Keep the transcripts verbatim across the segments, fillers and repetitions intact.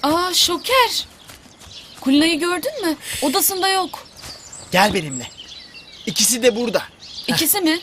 Aa Şoker. Kulina'yı gördün mü? Odasında yok. Gel benimle. İkisi de burada. İkisi mi?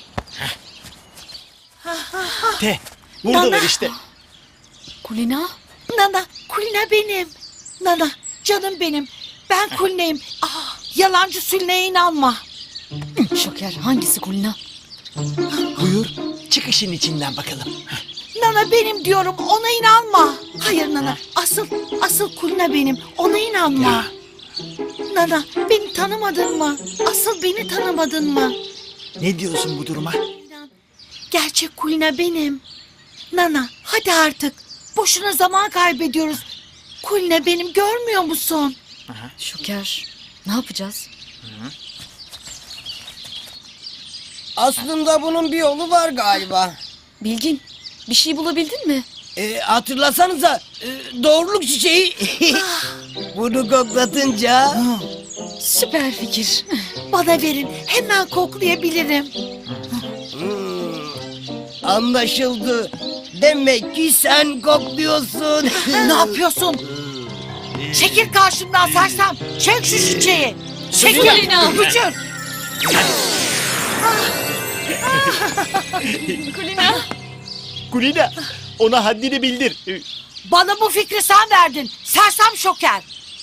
Te. Buradalar Nana. işte. Kulina? Nana, Kulina benim. Nana, canım benim. Ben Kulina'yım. Ah, yalancı Sülne'ye inanma. Şoker hangisi Kulina? Buyur. Çık işin içinden bakalım. Nana benim diyorum, ona inanma. Hayır Nana, asıl, asıl Kulina benim. Ona inanma. Nana, beni tanımadın mı? Asıl beni tanımadın mı? Ne diyorsun bu duruma? İnan, gerçek Kulina benim. Nana, hadi artık. Boşuna zaman kaybediyoruz. Kulina benim, görmüyor musun? Şoker ne yapacağız? Aslında bunun bir yolu var galiba. Bilgin bir şey bulabildin mi? Ee, hatırlasanıza e, doğruluk çiçeği. Bunu koklatınca Süper fikir. Bana verin, hemen koklayabilirim. anlaşıldı. Demek ki sen kokluyorsun. Ne yapıyorsun? Çekil karşımdan sersem. Çek şu çiçeği. Çekil. Kulina. Öpücük. Kulina. Kulina. Ona haddini bildir. Ee, Bana bu fikri sen verdin. Sersem Şoker.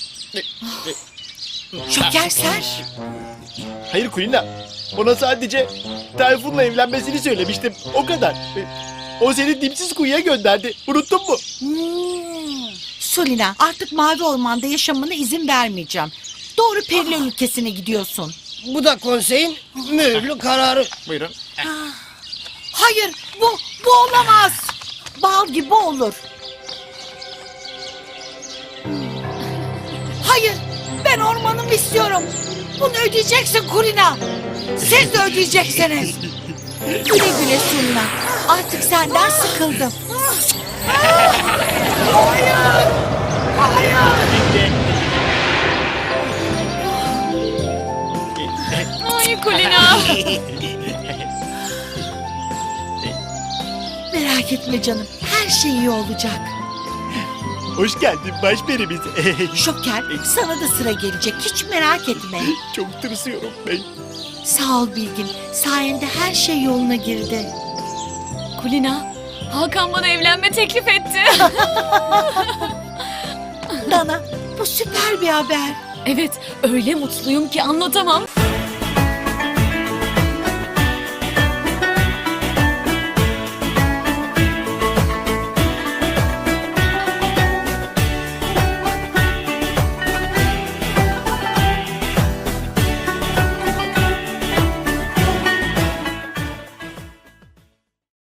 Şoker sen. Hayır Kulina. Ona sadece Tayfun'la evlenmesini söylemiştim. O kadar. Ee, O seni dipsiz kuyuya gönderdi. Unuttun mu? Hmm. Sulina, artık Mavi Orman'da yaşamına izin vermeyeceğim. Doğru Periler ülkesine gidiyorsun. Bu da konseyin mühürlü kararı. Buyurun. Hayır, bu, bu olamaz. Bal gibi olur. Hayır, ben ormanımı istiyorum. Bunu ödeyeceksin Kulina. Siz de ödeyeceksiniz. Güle güle Sulina. Artık senden sıkıldım. Hayır. Hayır. Ay Kulina. Merak etme canım. Her şey iyi olacak. Hoş geldin başperimiz. Şoker, sana da sıra gelecek. Hiç merak etme. Çok tırsıyorum ben. Sağ ol Bilgin. Sayende her şey yoluna girdi. Kulina. Hakan bana evlenme teklif etti. Nana, bu süper bir haber. Evet öyle mutluyum ki anlatamam.